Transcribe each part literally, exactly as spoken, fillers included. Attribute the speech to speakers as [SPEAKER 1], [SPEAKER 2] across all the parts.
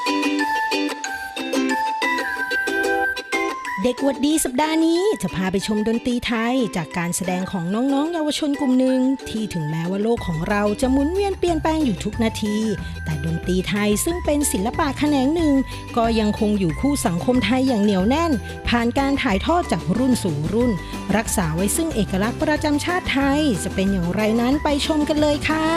[SPEAKER 1] เด็กวัดดีสัปดาห์นี้จะพาไปชมดนตรีไทยจากการแสดงของน้องๆเยาวชนกลุ่มหนึ่งที่ถึงแม้ว่าโลกของเราจะหมุนเวียนเปลี่ยนแปลงอยู่ทุกนาทีแต่ดนตรีไทยซึ่งเป็นศิลปะแขนงหนึ่งก็ยังคงอยู่คู่สังคมไทยอย่างเหนียวแน่นผ่านการถ่ายทอดจากรุ่นสู่รุ่นรักษาไว้ซึ่งเอกลักษณ์ประจำชาติไทยจะเป็นอย่างไรนั้นไปชมกันเลยค่ะ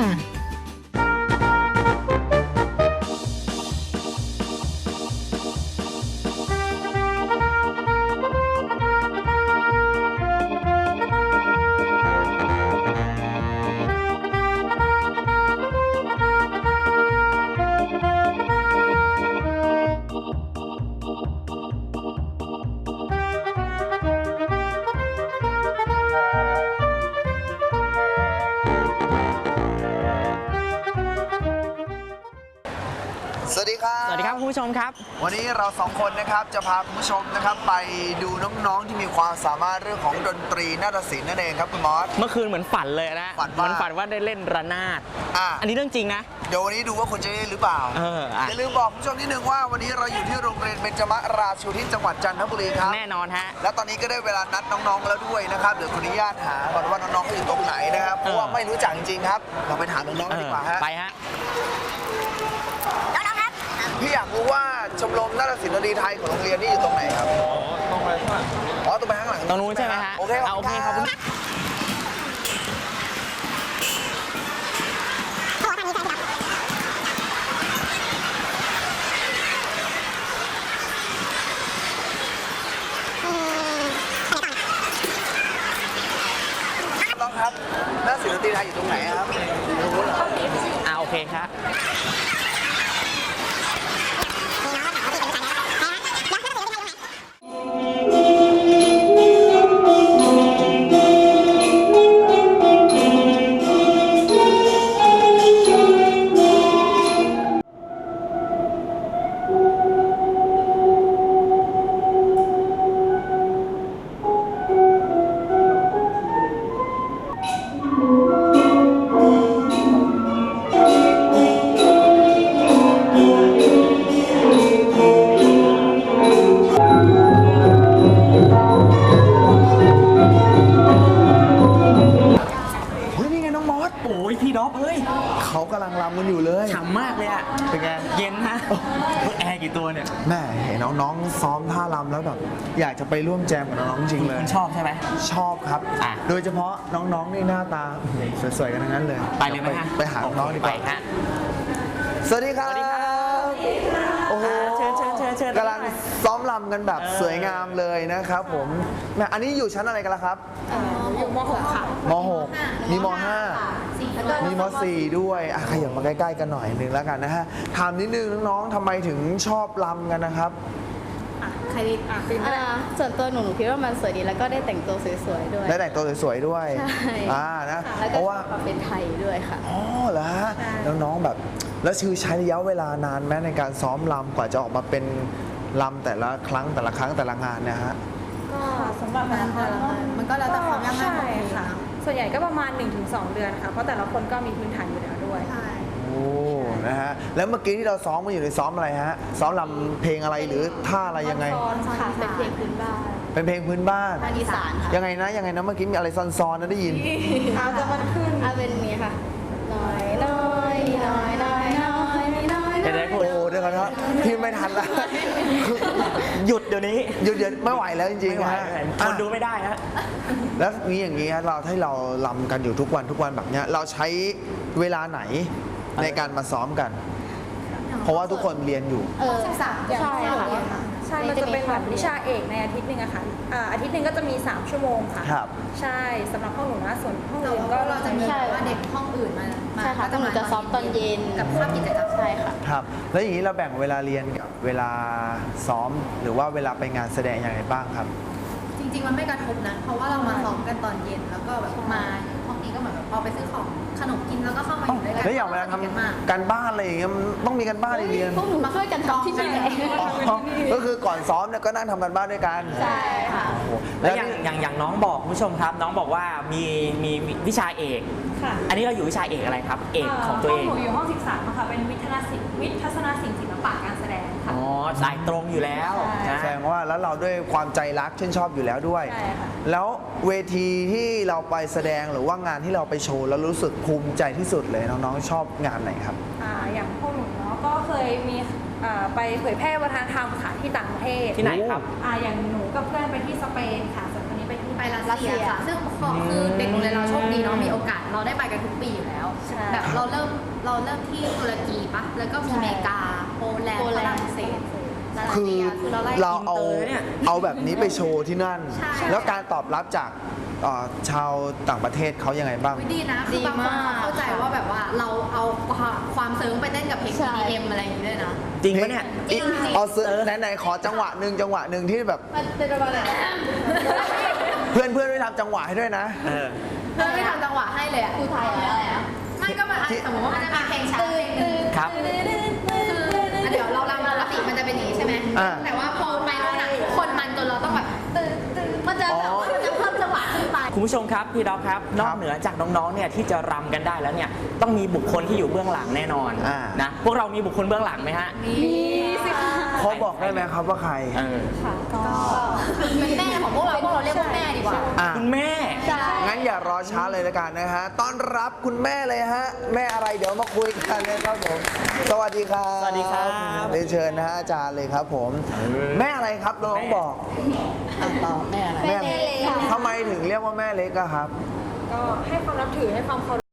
[SPEAKER 2] สวัสดีครับ
[SPEAKER 3] สวัสดีครับคุณผู้ชมครับ
[SPEAKER 2] วันนี้เราสองคนนะครับจะพาคุณผู้ชมนะครับไปดูน้องๆที่มีความสามารถเรื่องของดนตรีนาฏศิลป์นั่นเองครับคุณมอส
[SPEAKER 3] เมื่อคืนเหมือนฝันเลยนะ
[SPEAKER 2] ฝันว่า
[SPEAKER 3] เหมือนฝันว่าได้เล่นระนาด
[SPEAKER 2] อ่ะ
[SPEAKER 3] อันนี้เรื่องจริงนะ
[SPEAKER 2] เดี๋ยววันนี้ดูว่าคุณจะได้หรือเปล่า
[SPEAKER 3] เอออ่ะ
[SPEAKER 2] อย่าลืมบอกคุณผู้ชมนิดนึงว่าวันนี้เราอยู่ที่โรงเรียนเบญจมราชูทิศจังหวัดจันทบุรีครับ
[SPEAKER 3] แน่นอนฮะ
[SPEAKER 2] และตอนนี้ก็ได้เวลานัดน้องๆแล้วด้วยนะครับเดี๋ยวขออนุญาตหาก่อนว่าน้องๆเขาอยู่ตรงไหนนะครับเพราะว่าไม่รู้จักจริงๆครับเราไปถามน้องๆกันดีกว่าฮะ
[SPEAKER 3] ไปฮะ
[SPEAKER 2] พี่อยากรู้ว่าชมรมนาฏศิลป์ดนตรีไทยของโรงเรียนนี่อยู่ตรงไหนครับอ๋อตรงไปข้างหลังอ๋อตรงไปข้างหลัง
[SPEAKER 3] ตรงนู้นใช่ไหมฮะ
[SPEAKER 2] โอเค
[SPEAKER 3] โอเคขอบคุณ
[SPEAKER 2] น้องครับนาฏศิลป์ดนตรีไทยอยู่ตรงไหนครับรู้เหรอ
[SPEAKER 3] อ่าโอเคครับโอ้ยพี่ด็อกเอ้ย
[SPEAKER 2] เขากำลังรำกันอยู่เลย
[SPEAKER 3] ฉ่ำมากเลยอ่ะ
[SPEAKER 2] เป็นไง
[SPEAKER 3] เย็นฮะแอร์กี่ตัวเนี่ย
[SPEAKER 2] แม่เห็นน้องๆซ้อมท่ารำแล้วแบบอยากจะไปร่วมแจมกับน้องๆจริงเลย
[SPEAKER 3] คุณชอบใช่ไหม
[SPEAKER 2] ชอบครับโดยเฉพาะน้องๆนี่หน้าตาสวยๆกันทั้งนั้นเลย
[SPEAKER 3] ไปเลยไหมฮะ
[SPEAKER 2] ไปหาน้องๆดีกว่า
[SPEAKER 3] ฮะ
[SPEAKER 2] สวัสดีครับสวัสดีครับโอ้โห
[SPEAKER 3] เชิญเชิญเชิญเชิญ
[SPEAKER 2] กำลังซ้อมรำกันแบบสวยงามเลยนะครับผมแม่อันนี้อยู่ชั้นอะไรกันล่ะครับ
[SPEAKER 4] อยู่ม .หก ค่ะ
[SPEAKER 2] ม .หก มีม .ห้า มีม .สี่ ด้วยอ่ะขยับมาใกล้ๆกันหน่อยหนึ่งแล้วกันนะฮะถามนิดนึงน้องๆทำไมถึงชอบรำกันนะครับ
[SPEAKER 4] ใครดีอ่ะฟิล์มก็ได้ส่วนตัวหนูหนูคิดว่ามันสวยดีแล้วก็ได้แต่งตัวสวยๆด้วย
[SPEAKER 2] ได้แต่งตัวสวยๆด้วย
[SPEAKER 4] ใช่
[SPEAKER 2] อ่านะ
[SPEAKER 4] เพราะว่าเป็นไทยด้วยค่ะ
[SPEAKER 2] อ๋อเหรอฮะน้องๆแบบแล้วชื่อใช้ระยะเวลานานไหมในการซ้อมรำกว่าจะออกมาเป็นรำแต่ละครั้งแต่ละครั้งแต่ละงานนะฮะ
[SPEAKER 4] ก็สำหรับงานแต่ละงานมันก็แล้วแต่ความยากง่ายของเพลง
[SPEAKER 5] ค่ะส่วนใหญ่ก็ประมาณ หนึ่งถึงสอง เดือนค่ะเพราะแต่ละคนก็มีพื้นฐานอยู่แล้วด้วย
[SPEAKER 2] โอ้นะฮะแล้วเมื่อกี้ที่เราซ้อมมาอยู่ในซ้อมอะไรฮะซ้อมรำเพลงอะไรหรือท่าอะไรยังไง
[SPEAKER 4] ค่ะเป็นเพลงพื้นบ้าน
[SPEAKER 2] เป็นเพลงพื้นบ้าน
[SPEAKER 4] อีสานค่ะ
[SPEAKER 2] ยังไงนะยังไงนะเมื่อกี้มีอะไรซ้อนๆนะได้ยิน
[SPEAKER 4] เอาจะมันขึ้นเอาเป็นนี้ค่ะน้อยน้อยน้อยน้อยน้อยน้อย
[SPEAKER 3] เดี๋ยวได้พูด
[SPEAKER 2] โอ้เดี๋ยวก่อนครับพี่ไม่ทันแล้ว
[SPEAKER 3] หยุดเดี๋ยวนี้
[SPEAKER 2] หยุดเดี๋ยวไม่ไหวแล้วจริงๆฮะ
[SPEAKER 3] คนดูไม่ได้ฮะ
[SPEAKER 2] แล้วนี้อย่างนี้เราให้เราลำกันอยู่ทุกวันทุกวันแบบนี้เราใช้เวลาไหนในการมาซ้อมกันเพราะว่าทุกคนเรียนอยู่
[SPEAKER 4] เออสามใช่ค่ะ
[SPEAKER 5] ใช่มันจะเป็นแบบวิชาเอกในอาทิตย์หนึ่งอะค่ะอาทิตย์หนึ่งก็จะมีสามชั่วโมงค่ะ
[SPEAKER 2] ครับ
[SPEAKER 5] ใช่สำหรับห้องหนูนะส่วนห้องอื่นก็
[SPEAKER 4] เราจะมีว่าเด็กห้องอื่นมาใช่ค่ะก็หนูจะซ้อมตอนเย็นกับภาพกิจกรรมใช่ค่ะ
[SPEAKER 2] ครับแล้วอย่างนี้เราแบ่งเวลาเรียนกับเวลาซ้อมหรือว่าเวลาไปงานแสดงอย่างไรบ้างครับ
[SPEAKER 4] จริงๆมันไม่กระทบนะเพราะว่าเรามาซ้อมกันตอนเย็นแล้วก็แบบมาห้องนี้ก็เหมือนแบบพอไปซื้อของขนมกินแล้วก็เข้ามาอยู่ด้วยกัน
[SPEAKER 2] แล้วอย่างเวลาทำการบ้านอะไรอย่างเงี้ยมันต้องมีการบ้านเรียน
[SPEAKER 4] พวกหนูมาช่วยกันทำที่นี่
[SPEAKER 2] ก็คือก่อนซ้อมเนี่ยก็นั่งทำการบ้านด้วยกัน
[SPEAKER 4] ใช่ค่ะ
[SPEAKER 3] แล้วอย่างอย่างอย่างน้องบอกผู้ชมครับน้องบอกว่ามีมีวิชาเอกอันนี้เราอยู่วิชาเอกอะไรครับเอกของตัวเอง
[SPEAKER 5] หนูอยู่ห้องสิบสามค่ะเป็นวิทยาศิลป์วิทย์ทัศนศิลป์ศิลปะการแสดงค่ะ
[SPEAKER 3] อ๋อสายตรงอยู่แล้วนะ
[SPEAKER 2] แสดงว่าแล้วเราด้วยความใจรักชื่นชอบอยู่แล้วด้วย
[SPEAKER 5] ใช่ค่ะ
[SPEAKER 2] แล้วเวทีที่เราไปแสดงหรือว่างานที่เราไปโชว์แล้วรู้สึกภูมิใจที่สุดเลยน้องๆชอบงานไหนครับ
[SPEAKER 5] อ่าอย่างพวกหนูเนาะก็เคยมีอ่าไปเผยแพร่วัฒนธรรมค่ะที่ต่างประเทศ
[SPEAKER 3] ที่ไหนครับ
[SPEAKER 5] อ่าอย่างหนูกับเพื่อนไปที่สเปนค่ะส่วนคนนี้ไปที่
[SPEAKER 4] ไปรัสเซียค่ะ ซึ่งคือเด็กโรงเรียนเราโชคดีเนาะมีโอกาสเราได้ไปกันทุกปีอยู่แล้ว
[SPEAKER 5] ใช่
[SPEAKER 4] แบบเราเริ่มเราเริ่มที่ตุรกีปะแล้วก็มีอเมริกาโปแลนด์ฝรั่งเศสรัส
[SPEAKER 2] คือ
[SPEAKER 4] เซียคือเราไล่
[SPEAKER 2] เราเอา
[SPEAKER 3] อินเตอร์เนี่ย
[SPEAKER 2] เอาแบบนี้ไปโชว์ที่นั่น
[SPEAKER 4] ใช่
[SPEAKER 2] แล้วการตอบรับจากเอ่อชาวต่างประเทศเขายังไงบ้าง
[SPEAKER 4] อุ๊ยดีนะคือบางคนเขาเข้าใจว่าแบบว่าเราเอาความเซิร์งไปเต้นกับเพลง
[SPEAKER 5] ใช่
[SPEAKER 4] อี ดี เอ็ม อะไรอย่างนี้ด้วยนะ
[SPEAKER 3] จริงปะเนี่ย
[SPEAKER 4] จริงๆ
[SPEAKER 2] เอาซื้อไหนๆขอจังหวะหนึ่งจังหวะหนึ่งที่แบบ
[SPEAKER 5] มันเป็นประมาณไหน
[SPEAKER 2] เพื่อนเพื่อนๆไม่ทำจังหวะให้ด้วยนะ
[SPEAKER 3] เออ
[SPEAKER 4] เพื่อนไม่ทำจังหวะให้เลยอะ
[SPEAKER 5] ครูไทยอะไรอะ
[SPEAKER 4] ไม่ก็มันอาจจะสมมติว่ามันจะมีเพลงช้าเพลงหนึ่ง
[SPEAKER 3] ครับ
[SPEAKER 4] คืออ่ะเดี๋ยวเรารำปกติมันจะเป็นอย่างนี้ใช่ไหม
[SPEAKER 2] อ่า
[SPEAKER 4] แต่ว่าพอไปโน่นอะทุกคนมันจนเราต้องแบบตื่นตื่นมันจะแบบว่ามันจะเพิ่มจังหวะขึ้นไป
[SPEAKER 3] คุณผู้ชมครับพี่ด็อกครับนอกเหนือจากน้องๆเนี่ยที่จะรำกันได้แล้วเนี่ยต้องมีบุคคลที่อยู่เบื้องหลังแน่นอน
[SPEAKER 2] อ่า
[SPEAKER 3] นะพวกเรามีบุคคลเบื้องหลังไหมฮะ
[SPEAKER 4] มีสิคะ
[SPEAKER 2] เขาบอกได้ไหมครับว่าใคร
[SPEAKER 3] เออ
[SPEAKER 5] ค่ะก็
[SPEAKER 4] เป็นแม่ของพวกเราพวกเราเรียกว่าแม่ดีกว่า
[SPEAKER 2] อ่ะ
[SPEAKER 3] คุณแม่
[SPEAKER 5] ใช่
[SPEAKER 2] งั้นอย่ารอช้าเลยละกันนะฮะ ต้อนรับคุณแม่เลยฮะ แม่อะไรเดี๋ยวมาคุยกันนะครับผม สวัสดีครับ
[SPEAKER 3] สวัสดีครับ
[SPEAKER 2] เรียนเชิญนะฮะอาจารย์เลยครับผม แม่อะไรครับน้องบอก
[SPEAKER 5] แม่เล็กค่ะ
[SPEAKER 2] ทำไมถึงเรียกว่าแม่เล็กอะครับ
[SPEAKER 5] ก็ให้ความนับถือให้ความเคารพ